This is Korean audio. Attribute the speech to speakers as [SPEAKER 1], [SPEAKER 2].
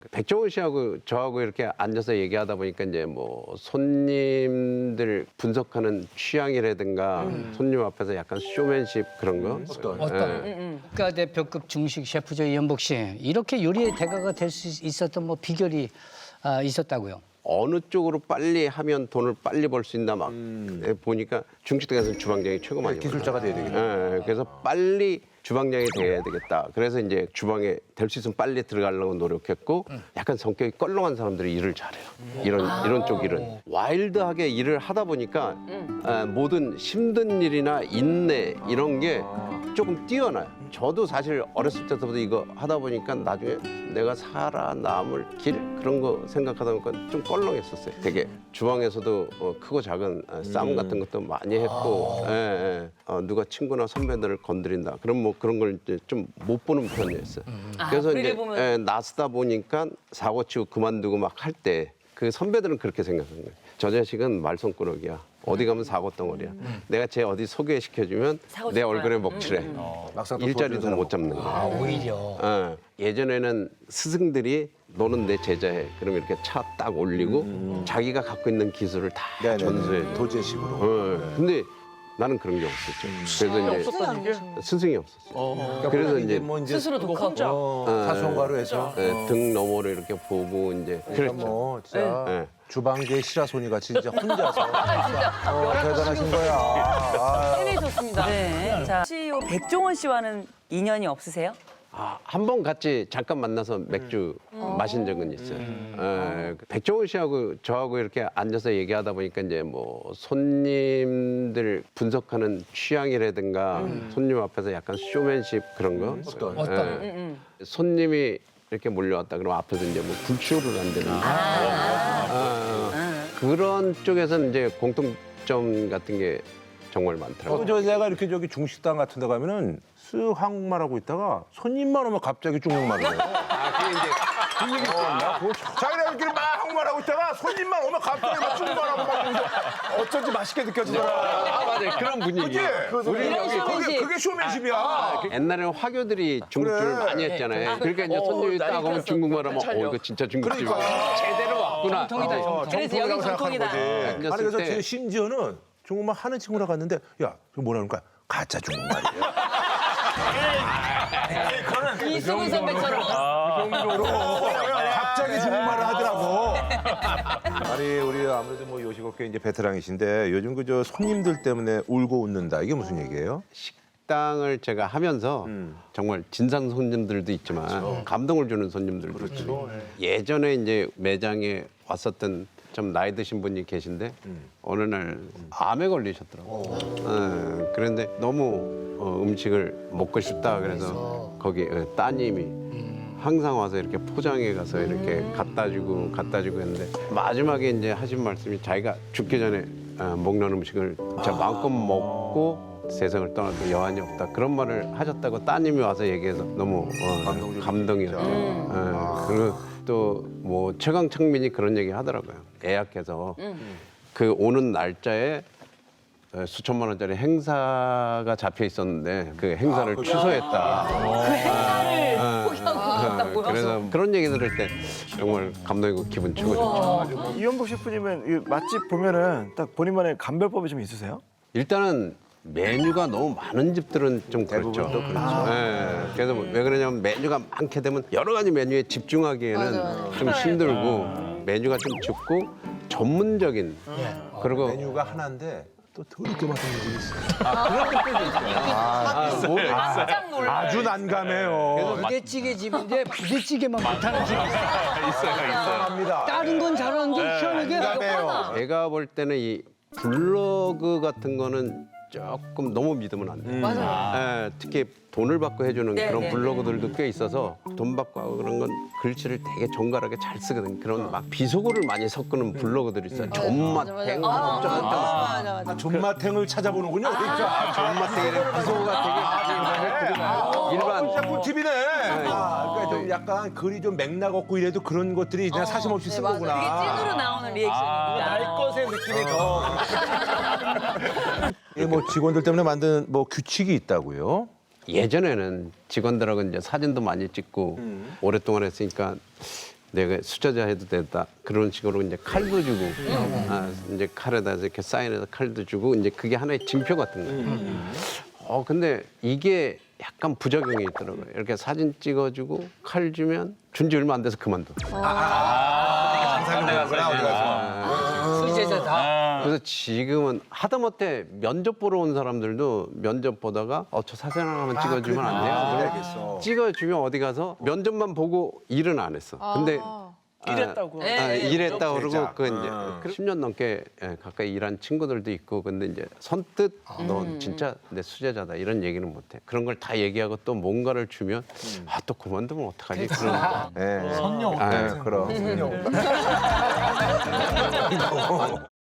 [SPEAKER 1] 백종원 씨하고 저하고 이렇게 앉아서 얘기하다 보니까 이제 뭐 손님들 분석하는 취향이라든가 손님 앞에서 약간 쇼맨십 그런 거.
[SPEAKER 2] 어떤 국가대표급 중식 셰프죠, 이현복 씨. 이렇게 요리의 대가가 될 수 있었던 뭐 비결이 있었다고요?
[SPEAKER 1] 어느 쪽으로 빨리 하면 돈을 빨리 벌 수 있나 막 보니까 중식당에서는 주방장이 최고 많이
[SPEAKER 3] 기술자가 돼야 되겠다.
[SPEAKER 1] 그래서 빨리 주방장이 돼야 되겠다. 그래서 이제 주방에 될 수 있으면 빨리 들어가려고 노력했고 약간 성격이 껄렁한 사람들이 일을 잘해요. 이런 쪽 일은 와일드하게 일을 하다 보니까 모든 힘든 일이나 인내 이런 게 조금 뛰어나요. 저도 사실 어렸을 때부터 이거 하다 보니까 나중에 내가 살아남을 길 그런 거 생각하다 보니까 좀 껄렁했었어요. 되게 주방에서도 크고 작은 싸움 같은 것도 많이 했고 누가 친구나 선배들을 건드린다. 그럼 뭐 그런 걸 이제 좀 못 보는 편이었어요. 그래서 이제 나서다 보니까 사고 치고 그만두고 막 할 때 그 선배들은 그렇게 생각하는 거예요. 저 자식은 말썽꾸러기야. 어디 가면 사고 덩어리야. 내가 쟤 어디 소개시켜주면 내 얼굴에 먹칠해. 일자리도 못 잡는 거야.
[SPEAKER 2] 오히려.
[SPEAKER 1] 예전에는 스승들이 너는 내 제자해. 그럼 이렇게 차 딱 올리고 자기가 갖고 있는 기술을 다 전수해 줘.
[SPEAKER 3] 도제식으로.
[SPEAKER 1] 근데 나는 그런 게 없었죠. 그래서 이제 스승이 없었어요. 그래서 이제
[SPEAKER 3] 뭐 이제
[SPEAKER 4] 스스로 독학자.
[SPEAKER 3] 사소한가로 해서.
[SPEAKER 1] 등 너머로 이렇게 보고 이제
[SPEAKER 3] 그러니까 뭐 진짜 주방계의 시라소니 같이 진짜 혼자서 대단하신 거야. 아,
[SPEAKER 4] 해내셨습니다. 네. 자, CEO 백종원 씨와는 인연이 없으세요?
[SPEAKER 1] 한 번 같이 잠깐 만나서 맥주 마신 적은 있어요. 백종원 씨하고 저하고 이렇게 앉아서 얘기하다 보니까 이제 뭐 손님들 분석하는 취향이라든가 손님 앞에서 약간 쇼맨십 그런 거.
[SPEAKER 2] 어떤?
[SPEAKER 1] 손님이 이렇게 몰려왔다 그러면 앞에서 이제 뭐 불쇼를 한다든지 그런 쪽에서는 이제 공통점 같은 게 정말 많더라고요.
[SPEAKER 3] 저 내가 이렇게 저기 중식당 같은 데 가면은 쓱 한국말하고 있다가 손님만 오면 갑자기 중국말을 해요.
[SPEAKER 1] 그게 이제
[SPEAKER 3] 그 얘기 있었나? 자기네 이렇게 막 한국말하고 있다가 손님만 오면 갑자기 막 중국말하고 막 이러면서 어쩐지 맛있게 느껴지더라.
[SPEAKER 1] 맞아요. 그런 분위기.
[SPEAKER 3] 우리 여기 그게 쇼맨십이야.
[SPEAKER 1] 옛날에는 화교들이 중국집을
[SPEAKER 3] 그래.
[SPEAKER 1] 많이 했잖아요. 그러니까 이제 손님이 딱 오면 중국말 하면 이거 진짜 중국집이야. 제대로 왔구나.
[SPEAKER 2] 정통이다.
[SPEAKER 4] 그래서 여기 전통이다.
[SPEAKER 3] 아니
[SPEAKER 1] 앉았을
[SPEAKER 3] 그래서
[SPEAKER 1] 때
[SPEAKER 3] 제 심지어는 중국말 하는 친구랑 갔는데 야, 저 뭐라 그러니까 가짜 중국말이에요.
[SPEAKER 4] 이수근 선배처럼.
[SPEAKER 3] 갑자기 중국말을 하더라고. 아니 우리 아무래도 뭐 요식업계 이제 베테랑이신데 요즘 그 저 손님들 때문에 울고 웃는다 이게 무슨 얘기예요?
[SPEAKER 1] 식당을 제가 하면서 정말 진상 손님들도 있지만 감동을 주는 손님들도 있고 예전에 이제 매장에 왔었던 좀 나이 드신 분이 계신데 어느 날 암에 걸리셨더라고요. 그런데 너무 음식을 먹고 싶다 그래서 거기 따님이 항상 와서 이렇게 포장해 가서 이렇게 갖다 주고 했는데 마지막에 이제 하신 말씀이 자기가 죽기 전에 먹는 음식을 진짜 마음껏 먹고 세상을 떠나도 여한이 없다 그런 말을 하셨다고 따님이 와서 얘기해서 너무 감동이었죠. 그리고 또 뭐 최강창민이 그런 얘기 하더라고요. 예약해서 그 오는 날짜에 수천만 원짜리 행사가 잡혀 있었는데 그 행사를 취소했다.
[SPEAKER 4] 그 행사를 포기하고
[SPEAKER 1] 그래서 그런 얘기 들을 때 정말 감동이고 기분 최고죠.
[SPEAKER 5] 이현복 셰프님은 이 맛집 보면은 딱 본인만의 감별법이 좀 있으세요?
[SPEAKER 1] 일단은 메뉴가 너무 많은 집들은 좀 그렇죠. 그래서 왜 그러냐면 메뉴가 많게 되면 여러 가지 메뉴에 집중하기에는 좀 힘들고 메뉴가 좀 적고 전문적인 그리고
[SPEAKER 3] 메뉴가 하나인데 또 더럽게 맛있는 집이 있어요.
[SPEAKER 4] 깜짝 놀라.
[SPEAKER 3] 아주 난감해요.
[SPEAKER 2] 부대찌개 집인데 부대찌개만 못하는 집이 있어요.
[SPEAKER 3] 합니다.
[SPEAKER 2] 다른 건 잘하는데 희한하게
[SPEAKER 3] 난감해요.
[SPEAKER 1] 제가 볼 때는 이 블로그 같은 거는 조금 너무 믿으면 안 돼요.
[SPEAKER 4] 맞아요.
[SPEAKER 1] 특히 돈을 받고 해주는
[SPEAKER 4] 네,
[SPEAKER 1] 그런
[SPEAKER 4] 네,
[SPEAKER 1] 블로그들도 꽤 있어서 돈 받고 하고 그런 건 글씨를 되게 정갈하게 잘 쓰거든요. 그런 막 비속어를 많이 섞는 블로그들이 있어요. 존맛탱,
[SPEAKER 3] 존맛탱을 찾아보는군요. 그러니까.
[SPEAKER 1] 존맛탱이랑 비속어가 되게 일반
[SPEAKER 3] 꿀팁이네. 그러니까 좀 약간 글이 좀 맥락 없고 이래도 그런 것들이 그냥 사심없이 쓴 거구나.
[SPEAKER 4] 이게 찐으로 나오는 리액션입니다.
[SPEAKER 3] 날 것의 느낌이 더. 이게 뭐 직원들 때문에 만든 뭐 규칙이 있다고요?
[SPEAKER 1] 예전에는 직원들하고 이제 사진도 많이 찍고 오랫동안 했으니까 내가 수저자 해도 된다. 그런 식으로 이제 칼도 주고, 이제 칼에다 이렇게 사인해서 칼도 주고, 이제 그게 하나의 징표 같은 거예요. 근데 이게 약간 부작용이 있더라고요. 이렇게 사진 찍어주고 칼 주면 준 지 얼마 안 돼서 그만둬.
[SPEAKER 2] 수제자다.
[SPEAKER 1] 그래서 지금은 하다못해 면접 보러 온 사람들도 면접 보다가 저 사진 하나만 찍어주면 안 돼요? 그럼 찍어주면 어디 가서 면접만 보고 일은 안 했어. 근데
[SPEAKER 6] 이랬다고.
[SPEAKER 1] 일했다 그러고 그 이제 10년 넘게 가까이 일한 친구들도 있고 근데 이제 선뜻 넌 진짜 내 수제자다 이런 얘기는 못 해. 그런 걸 다 얘기하고 또 뭔가를 주면 또 그만두면 어떡하지? 그런
[SPEAKER 3] 예.
[SPEAKER 6] 선녀.
[SPEAKER 3] 아, 그럼.